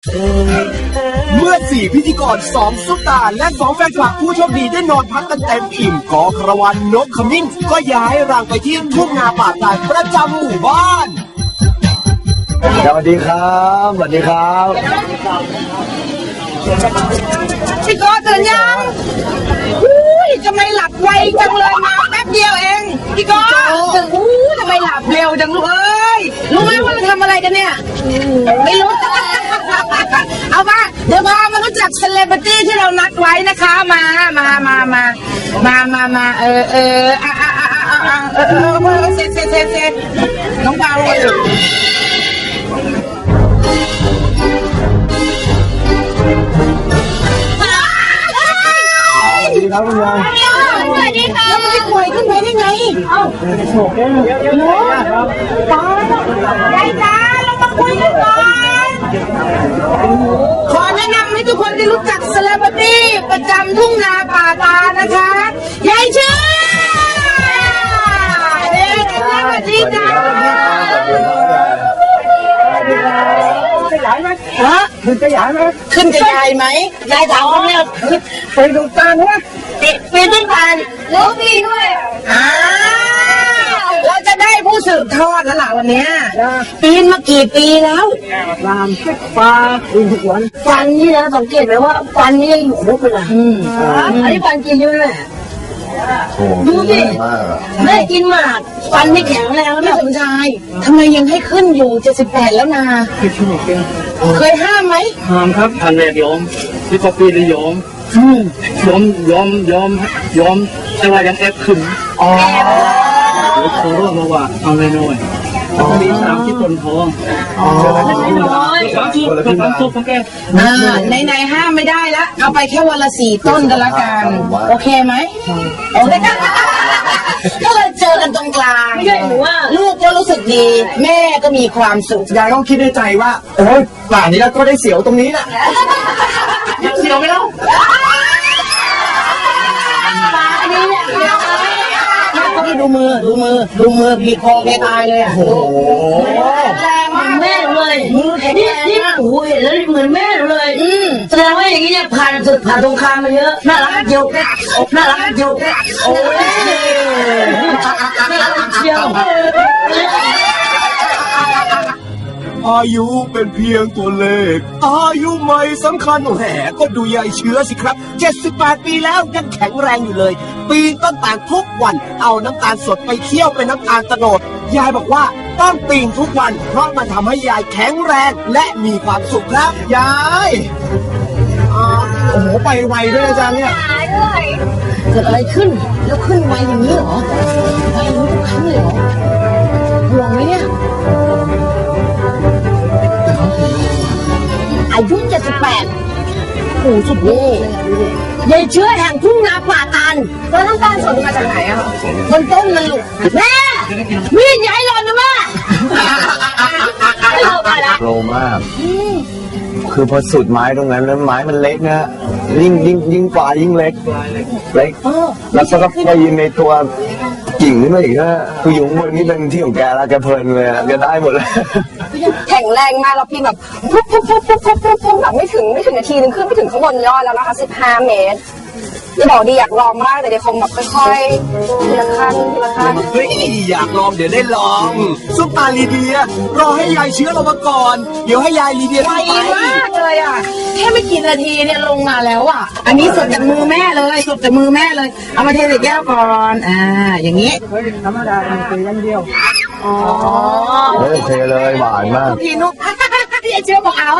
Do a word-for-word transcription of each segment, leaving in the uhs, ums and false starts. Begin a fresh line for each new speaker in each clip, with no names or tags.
เมื่อสี่พิธีกรสองซุปตาและสองแฟนคลับผู้โชคดีได้นอนพักกันเต็มอิ่มกอคารวานนกขมิ้นก็ย้ายรังไปที่ทุ่งนาป่าตาดประจำหมู่บ้าน
สวัสดีครับสวัสดีครับ
พี่กอตื่นยังอุ้ยทำไมหลับไวจังเลยมาแป๊บเดียวเองพี่กอตื่นอู้ทำไมหลับเร็วจังลูกเอ้ยรู้ไหมว่าเราทำอะไรกันเนี่ยไม่รู้เอามาเดี๋ยวพามารู้จักเซเลบริตี้ที่เรานัดไว้นะคะมามามามามามามาเออเอออ่ะอ่ะอ่ะอ่ะเออเออเออเซ็ตเซ็ตเซ็ตเซ็ตน้องเบาเลย
สวัสดีครับคุณยาย
สวัสดีค่ะแล้วมันจะป่วยขึ้นไปได้ไงเอ้าโฉกได้เลยเยอะครับป้ายายจ้าเรามาคุยกันก่อนขอแนะนำให้ทุกคนได้รู้จักเซเลบริตี้ประจำทุ่งนาป่าตานะคะยายชื่อเด็กสวัสดีจ้าขยายไหมฮะขึ้นขยายไหมขึ้นขยายไหมยายถามเขาเนี่ยไปดูตาเนี่ยปีนต้นตาลแล้วปีด้วยอ่าเราจะได้ผู้สืบทอดแล้วล่ะวันนี้ปีนมากี่ปีแล้วรามสิบปาปีนทุกวันฟันนี่นะสังเกตไหมว่าฟันนี่ยังอยู่ครบเลยอืมอันนี้ฟันกินเยอะเลยดูดิแม่กินหมากฟันไม่แข็งแรงแล้วแม่สมชายทำไมยังให้ขึ้นอยู่เจ็ดสิบแปดแล้วนาเคยห้ามไหม
ห้ามครับทันแรกยอมที่พอปีเลยยอมยอมยอมยอมยอมแต่ว่ายังแอบขึ้นอ๋อเดี๋ยวเขารู้มาว่าเอาเลยหน่อยมีสามที่คนท้องอ๋อสามทุกสามทุกของแก
อ่าในในห้ามไม่ได้แล้วเอาไปแค่วันละสี่ต้นกันละกันโอเคไหมโอเคก็เลยเจอกันตรงกลางไม่ใช่หนูว่าลูกก็รู้สึกดีแม่ก็มีความสุข
ยายต้องคิดในใจว่าโอ้ยป่านนี้แล้วก็ได้เสียวตรงนี้แหละ
เสียวไหมล่ะพี่ดูมือดูมือดูมือบีบคอแกตายเลยอ่ะโอ้โหแรงมากแม่เลยมือแข็งแรงมากโอ้ยแล้วเหมือนแม่เลยอืมแสดงว่าอย่างนี้เนี่ยผ่านศึกผ่านสงครามมาเยอะน่ารักเจียวน่ารักเจียวโอ้ยน่ารักเจียว
อายุเป็นเพียงตัวเลขอายุไม่สำคัญแหมก็ดูยายเชื้อสิครับเจ็ดสิบแปดปีแล้วยังแข็งแรงอยู่เลยปีนต้นตาลทุกวันเอาน้ำตาลสดไปเคี่ยวเป็นน้ำตาลโตนดยายบอกว่าต้องปีนทุกวันเพราะมันทำให้ยายแข็งแรงและมีความสุขครับยายโอ้โหไปไวด้วยอาจารย์เนี่ย
เกิดอะไรขึ้นแล้วขึ้นไวอย่างนี้เหรอไวอย่างนี้ทุกครั้งเลยเหรอห่วงไหมเนี่ยอายุเจ็ดสิบแปดโอ้สุดยอดเลยยายเชื้อแห่งทุ่งนาป่าตาลแล้วน้ำตาลสดมาจากไหนอะมันต้นมันลูกแม่มีดใหญ่หล่นนะแม่
โลมากคือพอสุดไม้ตรงนั้นแล้วไม้มันเล็กนะยิ่งยิ่งยิ่งฝ่ายิ่งเล็กเล็กแล้วก็ไปยืนในตัวกิ่งขึ้นมาอีกนะคืออยู่บนนี้เป็นที่ของแกแล้วแกเพลินเลยแกได้หมดเลย
แข็งแรงมากแล้วพี่แบบปุ๊บปุ๊บปุ๊บปุ๊บปุ๊บปุ๊บปุ๊บแบบไม่ถึงไม่ถึงนาทีนึงขึ้นไม่ถึงข้างบนยอดแล้วนะคะสิบห้าเมตรที่บอกดีอยากลองมากแต่เดี๋ยวคงแบบค่อยๆทีละขั้นทีละขั้น
เฮ้ยอยากลองเดี๋ยวได้ลองซุปตาลีเดียรอให้ยายเชื้อลงมาก่อนเดี๋ยวให้ยายลีเดีย
ไวมากเลยอ่ะแค่ไม่กี่นาทีเนี่ยลงมาแล้วอ่ะอันนี้สดจากมือแม่เลยสดจากมือแม่เลยเอามาเทใส่แก้วก่อนอ่าอย่างนี้
ธรรมดาเป็นตัวยันเดียว
อ๋อ
โอเคเลยหวานมาก
พี่นุ๊กพี่เชื้อบอกเอา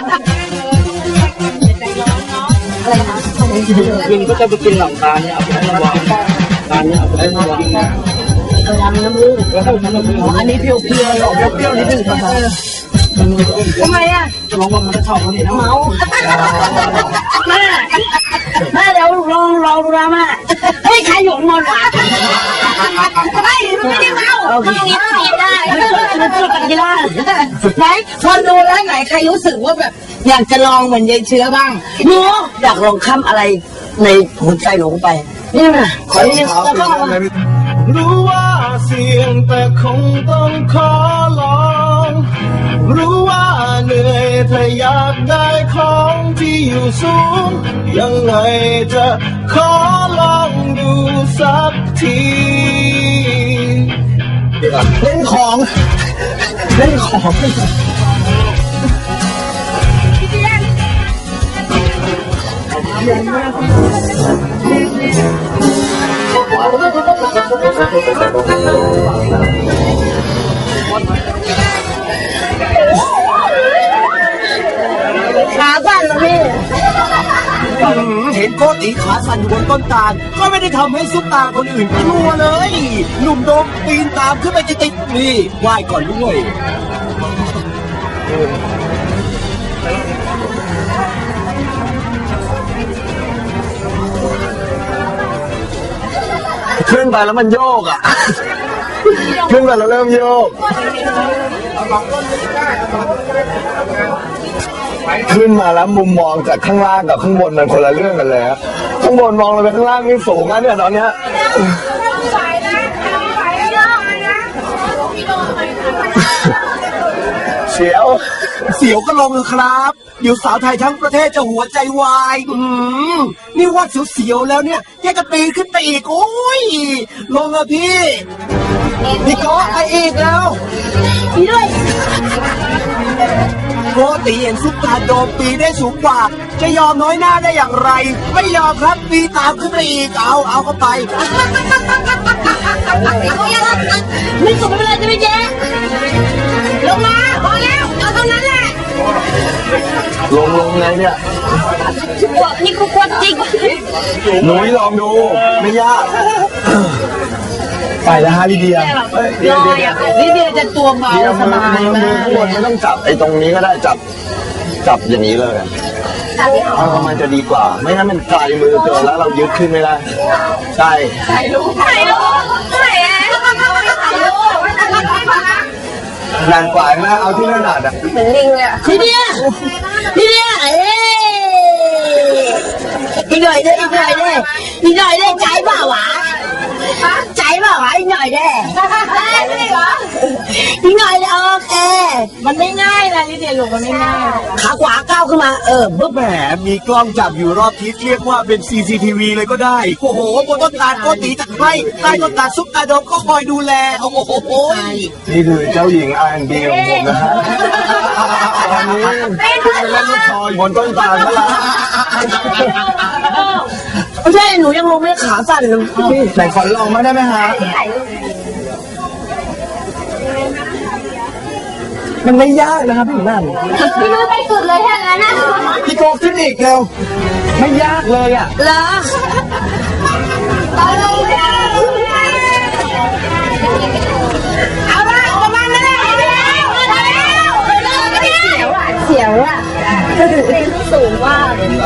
อะไรคะ
กินก็จะไปกินหลังตาเนี่ยเอาไปให้วางตาเนี่ยเอาไปให้วาง
กระดำน้ำมูกอันนี้เปรี้ยวเปรี้ยวหรอเปรี้ยวนิดนึงทำไมอ่ะ
จะลองว่ามันจะชอบคนนี้นะ
เมาแม่แม่เดี๋ยวลองลองดูนะแม่เฮ้ยใครหยงนอนหวานไม่ไม่ได้เมาไม่ได้กินได้ไม่ช่วยกันกินได้ไหนคนดูแล้วไหนใครรู้สึกว่าแบบอยากจะลองเหมือนยายเชื้อบ้างหนูอยากลองค้ำอะไรในหัวใจหลงไปนี่นะขอนี่แล้วก็
รู้ว่าเสี่ยงแต่คงต้องขอลองรู้ว่าเหนื่อยถ้าอยากได้ของที่อยู่สูง ยังไงจะขอลองดูสักที
เล่นของเล่นของ
ขาสั่นเหรอพี่
เห็นโกติขาสั่นอยู่บนต้นตาลก็ไม่ได้ทำให้ซุปตาคนอื่นกลัวเลย หนุ่มโดมปีนตามขึ้นไปติดๆนี่ไหว้ก่อนด้วย
ขึ้นไปแล้วมันโยกอ่ะ ขึ้นไปแล้วเริ่มโยก ขึ้นมาแล้วมุมมองจากข้างล่างกับข้างบนมันคนละเรื่องกันเลยอะข้างบนมองลงไปข้างล่างนี่สูงนะเนี่ยตอนเนี้ยเสียว
เสียวก็ลงเลยครับเดี๋ยวสาวไทยทั้งประเทศจะหัวใจวายอืมนี่ว่าเสียวๆแล้วเนี่ยแกจะปีนขึ้นไปอีกโอ้ยลงอะพี่พี่โก้ไปอีกแล้ว
พี่ด้วย
โกติเห็นซุปตาโดมปีนได้สูงกว่า จะยอมน้อยหน้าได้อย่างไร ไม่ยอมครับปีนตามขึ้นไปอีกเอาเอาเข้าไป
ไม่สุดไม่เป็นไรจะไม่แย่ลงมาพอแล้วเอาเท่านั้นแหละ
ลงลงไงเนี่ย
นี่กูกลัวจริง
หนูลองดูไม่ยาก ไปแล้วฮะลิเดียเอ้ยเดี๋ยวเดี๋ยวเดี๋ยว
นี่เดียวจะตัวเบา
เดี๋ยว
ส
มือบ
าย
มือมื
มา
อก ข้างบนไม่ต้องจับไอ้ตรงนี้ก็ได้จับ จับอย่างนี้เลยเออมันจะดีกว่า ไม่งั้นมันไกลมือเกินแล้วเรายึดขึ้นไม่ได้ใช่
ถ่ายรูปถ่ายรูปถ่ายรูป
นานกว่านะเอาที่ถนัดอ่ะ
เหมือนลิงเลยอะ
พี่เดียพี่เดียเอ้อีกหน่อยเด้อีกหน่อยเด้อีกหน่อยเด้ใจเปล่าวะใจเปล่าวะอีกหน่อยเด้อีกหน่อยเด้โอเคมันไม่ง่ายนะนี่เดียลูกมันไม่ง่ายขาขวาก้าวขึ้นมาเออบึ๊บ
แหมมีกล้องจับอยู่รอบทิศเรียกว่าเป็น ซี ซี ที วี เลยก็ได้ โอ้โหบนต้นตาลโกติจัดให้ใต้ต้นตาลซุปตาโดมก็คอยดูแล โอ้โห
นี่คือเจ้าหญิง อาร์ แอนด์ บี ของผมนะฮะตอนนี้ขึ้นไปเล่นลูกคอยบนต้นตาลแล้วล่ะ
ไม่ใช่หนูยังลงไม่ขาสั่นเลย
ไหนขอลองมาได้ไหมฮะ มันไม่ยากนะครับพี่นั่น
พี่รู้ไปสุดเลยถ้างั้นนะ
พี่โกขึ้นอีกเร็ว ไม่ยากเลยอ่ะ
เหรอ
เอาลงเลยเอาละประมาณนั้นเลยเสียวอ่ะสูงมาก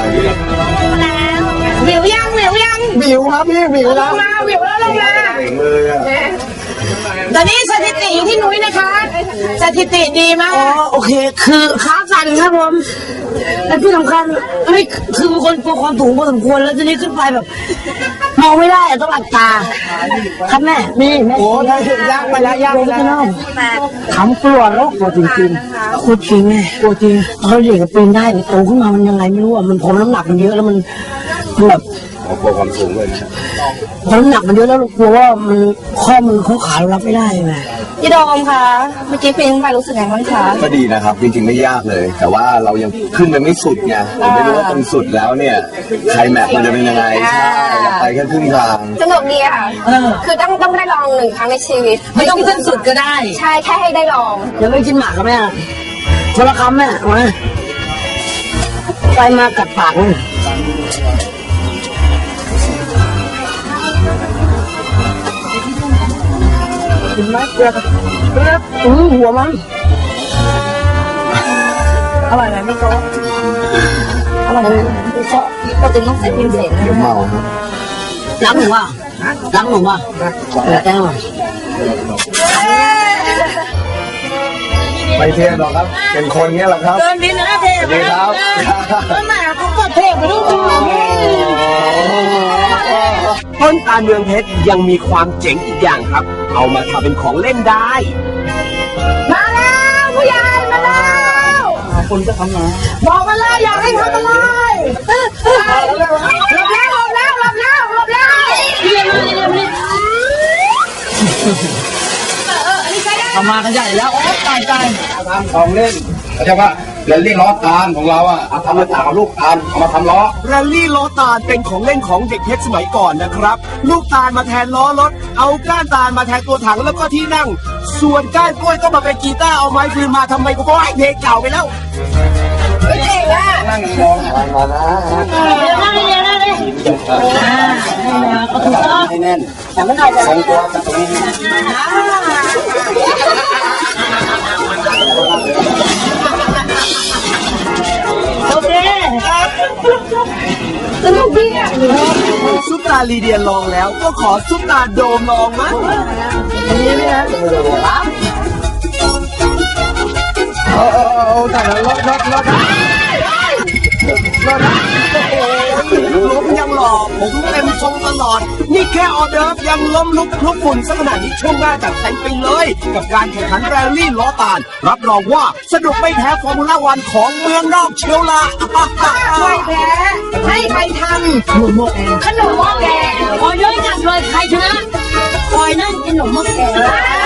วิวยังวิวยัง
บิวครับพี่บิวแล้ว
มาวิวแล้วลงมา
เก่งเลยอ่ะ
ตอนนี้สถิติอยู่ที่นุ้ยนะคะสถิติดีมากอ๋อโอเค คือขาสั่นครับผมและที่สำคัญเฮ้ยคือเป็นคนกลัวความสูงพอสมควรแล้วทีนี้ขึ้นไปแบบมองไม่ได้อะต้องหลับตา ครับแม่นี่แม่
โอ้ถ้ายากไปแล้วยากไปแล้ว
ขำกลัวแล้วกลัวจริงๆกลัวจริงแม่กลัวจริงเขาเด็กกับปีนได้แต่โตขึ้นมามันยังไงไม่รู้อ่ะมันผมน้ำหนักมันเยอะแล้วมันแบบ
กลัวความสูงเลย
พอน้ำหนักมันเยอะแล้วกลัวว่ามันข้อมือข้อขาเรารับไม่ได้ไง
พี่โดมคะเมื่อกี้ปีนไปรู้สึกไงบ้างคะ
ก็ดีนะครับ จริงๆไม่ยากเลย แต่ว่าเรายังขึ้นไปไม่สุดไงผมไม่รู้ว่าตรงสุดแล้วเนี่ยไคลแม็กซ์มันจะเป็นยังไงใช่เราไปแค่ครึ่งทาง
สนุกดีค่ะคือต้องต้องได้ลองหนึ่งครั้งในชีวิต
ไม่ต้องขึ้นสุดก็ได้
ใช่แค่ให้ได้ลอง
เดี๋ยวไม่กินหมากกับแม่คนละคำแม่มาไปมากัดปากเลยกินไหมเกลือเกลืออือหัวมันอร่อยไหมพี่โจ๊กอร่อยไหมพี่โจ๊ก
ก็จึงต้องใส่พิมพ์เสร็จ
เดี๋ยวเมาครับ
ล้างหนูว่ะล้างหนูว่ะเออแก้ว
ไม่เท่หรอกครับ เป็นคนเนี้ยแหละครับ
เดินดินนะเท
สวัสดีครับ
ต้นหมาเขาก็เทไปลูก
ต้นตาลเมืองเพชรยังมีความเจ๋งอีกอย่างครับ เอามาทำเป็นของเล่นได้
มาแล้วผู้ใหญ่มาแล้
คนจะทำงาน
บอกมาเลยอยากให้ทำอะไรหลบแล้วหลบแล้วหลบแล้วหลบแล้วเรียนมาเรียนมา
ทำมากันใหญ่แล้วโอ้ตายตาย
ทำของเล่นเข้าใจปะเรลลี่ล้อตาลของเราอ่ะเอาทำมาจากลูกตาลเอามาทำล้อ
แรลลี่ล้อตาลเป็นของเล่นของเด็กเพชรสมัยก่อนนะครับ ลูกตาลมาแทนล้อรถ เอาก้านตาลมาแทนตัวถังแล้วก็ที่นั่ง ส่วนก้านกล้วยก็มาเป็นกีตาร์เอาไม้ฟืนมาทำไมก็ว่าเพลงเก่าไปแล้ว
ไม่เก่งอ่ะ
นั่งมองมานะ
นั่งเรียนนั่งเรียนอ่าก็ถูกต้อง
ให้แน่น
แต่ไม่ได้จะ
ทรงตัวกับตรงนี้
โอเค
สนุกดีอ่ะ
ซุปตาลีเดียลองแล้วก็ขอซุปตาโดมลองมั้ง
นี่ไหมนะ
โอ้โอ้แต่ละรถรถรถ
ล้มยังหล่อผมเต็มทรงตลอด นี่แค่ออเดิร์ฟยังล้มลุกคลุกฝุ่นสักขนาดนี้ช่วงหน้าจัดเต็มไปเลย กับการแข่งขันแรลลี่ล้อตาล รับรองว่าสนุกไม่แพ้ฟอร์มูล่าวันของเมืองนอกเชียวละ
ใครแพ้ให้ใครทำขนมหม้อแกงขนมหม้อแกง
ขอเยอะจัดเลยใครชนะคอยนั่งกินขนมหม้อแกง